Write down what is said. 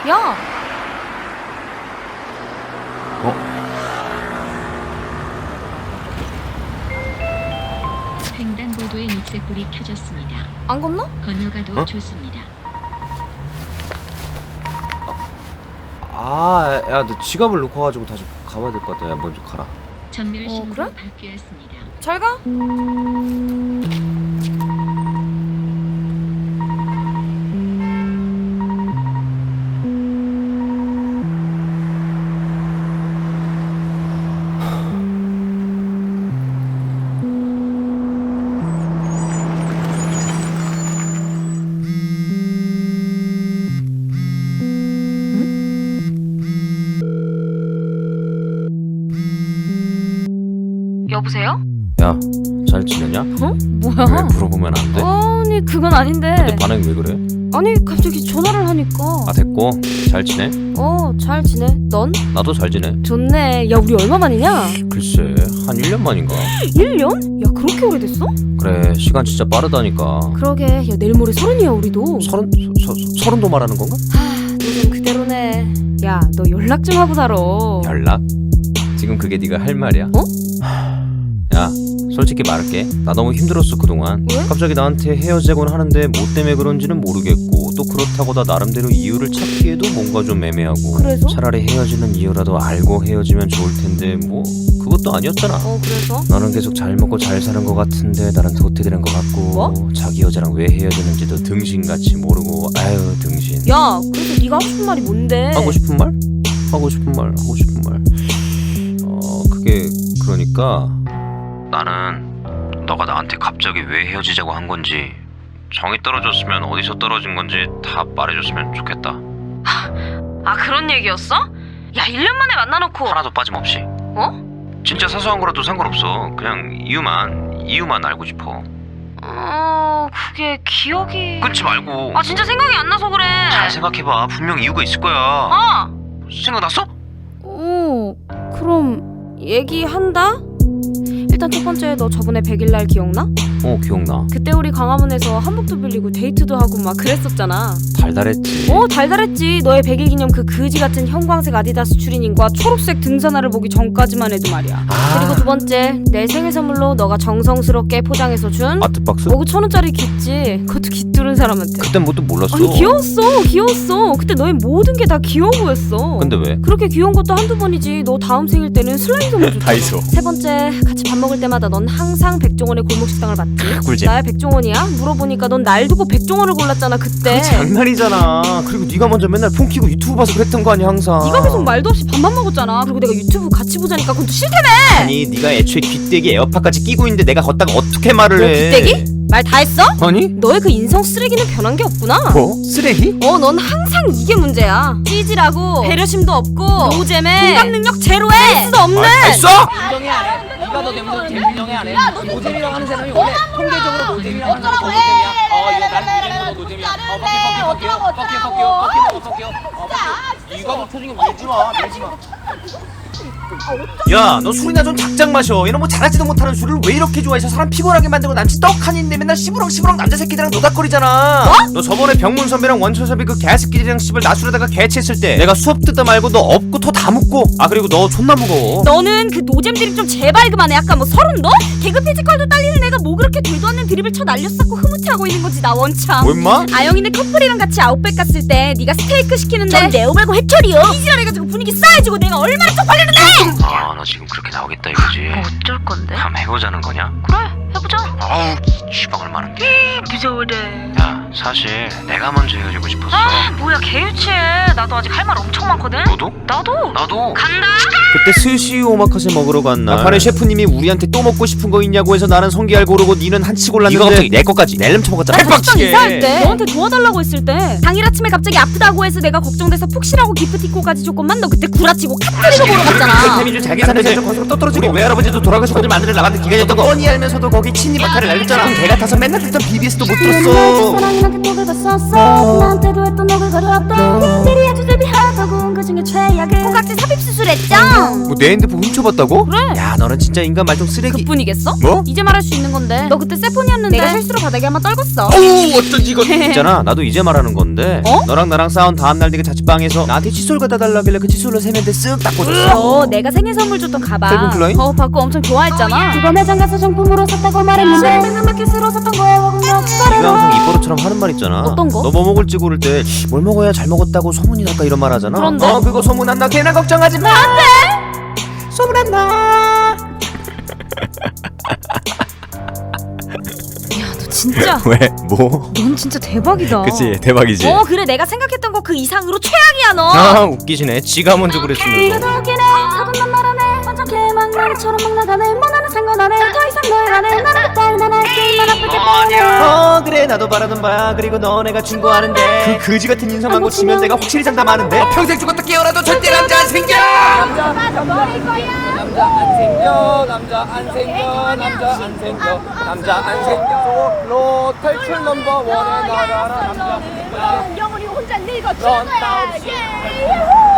야! 횡단보도에 녹색불이 켜졌습니다. 안 건너? 건너가도 좋습니다. 야, 너 지갑을 놓고 가지고 다시 가봐야 될 것 같아. 야, 먼저 가라. 전멸 신고로 그래? 바뀌었습니다. 잘 가? 여보세요? 야, 잘 지내냐? 어? 뭐야? 왜 물어보면 안 돼? 아니 그건 아닌데. 근데 반응이 왜 그래? 아니 갑자기 전화를 하니까. 됐고. 잘 지내? 잘 지내. 넌? 나도 잘 지내. 좋네. 야 우리 얼마 만이냐? 글쎄, 한 1년 만인가? 1년? 야 그렇게 오래됐어? 그래, 시간 진짜 빠르다니까. 그러게. 야 내일 모레 서른이야 우리도. 서른도 말하는 건가? 요즘 그대로네. 야 너 연락 좀 하고 살아. 연락? 지금 그게 네가 할 말이야? 야, 솔직히 말할게. 나 너무 힘들었어 그동안. 왜? 갑자기 나한테 헤어지곤 하는데 뭐 때문에 그런지는 모르겠고, 또 그렇다고 나 나름대로 이유를 찾기에도 뭔가 좀 애매하고. 그래서? 차라리 헤어지는 이유라도 알고 헤어지면 좋을 텐데 뭐 그것도 아니었잖아. 그래서? 너는 계속 잘 먹고 잘 사는 것 같은데 나는 도태되는 것 같고. 뭐? 자기 여자랑 왜 헤어지는지도 등신같이 모르고. 아유 등신. 야 그래서 네가 하고 싶은 말이 뭔데? 하고 싶은 말? 하고 싶은 말. 그게 그러니까 나는 너가 나한테 갑자기 왜 헤어지자고 한 건지, 정이 떨어졌으면 어디서 떨어진 건지 다 말해줬으면 좋겠다. 그런 얘기였어? 야 1년 만에 만나놓고. 하나도 빠짐없이. 진짜 사소한 거라도 상관없어. 그냥 이유만 알고 싶어. 그게 기억이... 끊지 말고. 진짜 생각이 안 나서 그래. 잘 생각해봐. 분명 이유가 있을 거야. 생각났어? 그럼 얘기한다? 일단 첫 번째, 너 저번에 100일 날 기억나? 기억나. 그때 우리 광화문에서 한복도 빌리고 데이트도 하고 막 그랬었잖아. 달달했지. 달달했지. 너의 100일 기념 그 그지 같은 형광색 아디다스 추리닝과 초록색 등산화를 보기 전까지만 해도 말이야. 그리고 두 번째, 내 생일 선물로 너가 정성스럽게 포장해서 준 아트박스? 그 1,000원짜리 깃지. 그것도 깃두른 사람한테. 그땐 뭣도 몰랐어. 아니 귀여웠어. 그때 너의 모든 게 다 귀여워 보였어. 근데 왜? 그렇게 귀여운 것도 한두 번이지. 너 다음 생일 때는 슬라임 선물 줬잖아. 다이소. 세 번째, 같이 밥 먹을 때마다 넌 항상 백종원의 골목식당을 봤지. 꿀잼. 나야 백종원이야? 물어보니까 넌 날 두고 백종원을 골랐잖아 그때. 장난이잖아. 그리고 네가 먼저 맨날 폰 키고 유튜브 봐서 그랬던 거 아니야 항상. 네가 계속 말도 없이 밥만 먹었잖아. 그리고 내가 유튜브 같이 보자니까 그건 또 싫다며. 아니 네가 애초에 귀때기 에어팟까지 끼고 있는데 내가 걷다가 어떻게 말을 너 해? 빗대기? 말 다 했어? 아니? 너의 그 인성 쓰레기는 변한 게 없구나. 뭐? 쓰레기? 넌 항상 이게 문제야. 찌질하고 배려심도 없고 노잼에 공감 능력 제로에 센스도 없는. 됐어? 인정해 안 해? 네가 너 때문에 인정해 안 해? 노잼이라고 하는 사람이 원래 통계적으로 노잼이라고 하는 사람이 노잼이야. 이거 나는 노잼이고 노잼이야. 퍼키. 이거 뭐 표정이 밀지 마. 야, 너 술이나 좀 작작 마셔. 이런 뭐 잘하지도 못하는 술을 왜 이렇게 좋아해서 사람 피곤하게 만들고 남친 떡하니인데 맨날 시부렁 남자 새끼들이랑 노닥거리잖아. 너 저번에 병문 선배랑 원철 선배 그 개새끼들이랑 씹을 나술에다가 개치했을 때 내가 수업 듣다 말고 너 업고 토 다 묻고. 그리고 너 존나 무거워. 너는 그 노잼 드립 좀 제발 그만해. 아까 뭐 서른 너? 개그 피지컬도 딸리는 애가 뭐 그렇게 되도 않는 드립을 쳐 날렸었고 흐뭇해하고 있는 거지 나 원참. 뭐 임마? 아영이네 커플이랑 같이 아웃백 갔을 때 네가 스테이크 시키는데 전 네오 말고 회철이요. 이지랄해가지고 분위기 싸해지고 내가 얼마나 쪽팔리는데. 너 지금 그렇게 나오겠다 이거지. 어쩔 건데? 한번 해보자는 거냐? 그래 해보자. 아우 시방을 많은 게. 무서워래. 야, 사실 내가 먼저 헤어지고 싶었어. 뭐야 개유치해. 나도 아직 할 말 엄청 많거든. 너도? 나도 간다. 그때 스시 오마카세 먹으러 간 날 막판에 셰프님이 우리한테 또 먹고 싶은 거 있냐고 해서 나는 성게알 고르고 니는 한치 골랐는데 네가 갑자기 내 거까지 낼름 처먹었잖아. 식당 이사할 때 너한테 도와달라고 했을 때 당일 아침에 갑자기 아프다고 해서 내가 걱정돼서 푹 쉬라고 기프티콘까지 줬건만 너 그때 구라치고 카트리고 보러 갔잖아. 태민이 자기 사는 데서 거기서 또 떨어지고 외할아버지도 돌아가시고 어딜 만들어 나갔는데 기간이었던 거 뻔히 알면서도 거기 친이 박탈을 날렸잖아. 그럼 개 같아서 맨날 듣던 BBS도 못 들었어. 사랑이한테 또 긁었었어 나한테도 했던 너를 거렸던 일이 아주 제비하다고 그 중에 최악은 콩깍지 삽입 수술했죠. 뭐 내 핸드폰 훔쳐봤다고? 그래. 야 너는 진짜 인간 말통 쓰레기. 그뿐이겠어? 뭐? 이제 말할 수 있는 건데 너 그때 세폰이었는데 내가 실수로 바닥에 한번 떨궜어. 오 어쩐지 이거 있잖아 나도 이제 말하는 건데 어? 너랑 나랑 싸운 다음날 네가 자취방에서 나한테 칫솔 갖다 달라길래 그 칫솔로 세면대 쓱 닦아줬어. 내가 생일 선물 줬던 가방 셀빈 클라인? 받고 엄청 좋아했잖아. 그거 매장 가서 정품으로 샀다고 말했는데 백남마켓으로 샀던 거야. 네가 항상 입버릇처럼 하는 말 있잖아. 어떤 거? 너 뭐 먹을지 고를 때 뭘 먹어야 잘 먹었다고 소문이 날까 이런 말 하잖아. 그런데? 그거 소문 안 나 걔나 걱정하지 마. 소문 안 나. 너 진짜 왜? 뭐? 넌 진짜 대박이다. 대박이지. 그래 내가 생각했던 거 그 이상으로 최악이야 너. 아 웃기시네. 지가 먼저 그랬으면서. 더 웃기네. 사돈난 말하네. 완전 개망나리처럼 막 나가네. 뭐 나는 상관 안 해. 더 이상 널 안 해. 나는 그따위 나날 게임만 아프게 뻔해. 그래 나도 바라던 바야. 그리고 너네가 충고하는데 그 거지 같은 인성만 고치면 내가 확실히 장담하는데 평생 죽었다 깨어나도 절대 남자 안 생겨. 남자 안 생겨 남자 안 생겨 남자 안 생겨 남자 안 생겨 로 탈출 넘버 원에 나가라 남자 영원히 혼자 늙어 넌 죽어야지. 나 없이